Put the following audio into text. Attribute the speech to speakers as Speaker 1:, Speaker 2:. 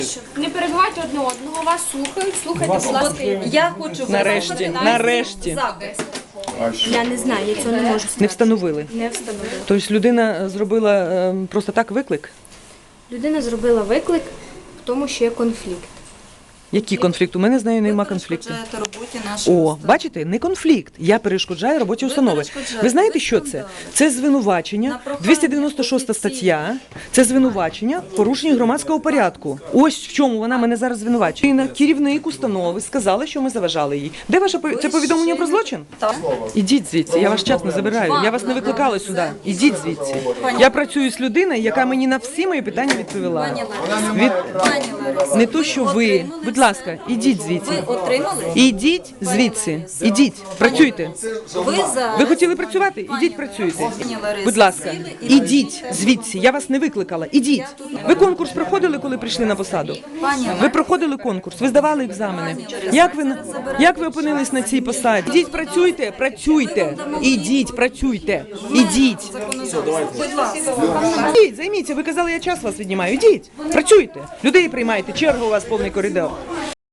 Speaker 1: Не перебивайте одне одного, вас слухають, слухайте, будь ласка.
Speaker 2: Я хочу
Speaker 3: Нарешті.
Speaker 2: запис.
Speaker 1: Я не знаю, я цього не можу сказати.
Speaker 3: Не встановили.
Speaker 1: Не встановили.
Speaker 3: Тобто людина зробила просто так виклик?
Speaker 1: Людина зробила виклик в тому, що є конфлікт.
Speaker 3: Який конфлікт? У мене з нею нема конфлікту.
Speaker 2: Перешкоджаєте роботі нашої
Speaker 3: О,
Speaker 2: установи.
Speaker 3: бачите, не конфлікт. Я перешкоджаю роботі установи.
Speaker 2: перешкоджаєте,
Speaker 3: Ви знаєте,
Speaker 2: ви
Speaker 3: що це?
Speaker 2: скандали.
Speaker 3: Це звинувачення,
Speaker 2: На прохання
Speaker 3: 296 стаття, це звинувачення в порушенні громадського порядку. Ось в чому вона мене зараз звинувачує. І керівник установи сказала, що ми заважали їй. Де ваше це повідомлення про злочин?
Speaker 2: Так.
Speaker 3: Ідіть звідси, я вас час не забираю. Я вас не викликала сюди. Ідіть звідси. Я працюю з людиною, яка мені на всі мої питання відповіла. Від...
Speaker 2: Пані Ларисо,
Speaker 3: Не то, що ви.
Speaker 2: отримали
Speaker 3: Будь ласка,
Speaker 2: все?
Speaker 3: ідіть звідси.
Speaker 2: Ви отримали?
Speaker 3: Ідіть звідси. Ідіть, працюйте.
Speaker 2: Ви зараз...
Speaker 3: Ви хотіли працювати? Ідіть працюйте.
Speaker 2: Пані Ларисо,
Speaker 3: Будь ласка,
Speaker 2: сіли і
Speaker 3: ідіть звідси. Я вас не викликала. Ідіть. Ви конкурс проходили, коли прийшли на посаду? Ви проходили конкурс, ви здавали екзамени. Як ви опинились на цій посаді? Ідіть, працюйте, працюйте. Ідіть, працюйте. Ідіть.
Speaker 2: Будь ласка.
Speaker 3: Ідіть, займіться. Ви казали, я час вас віднімаю. Ідіть, працюйте. Людей приймайте. Черга у вас повний коридор.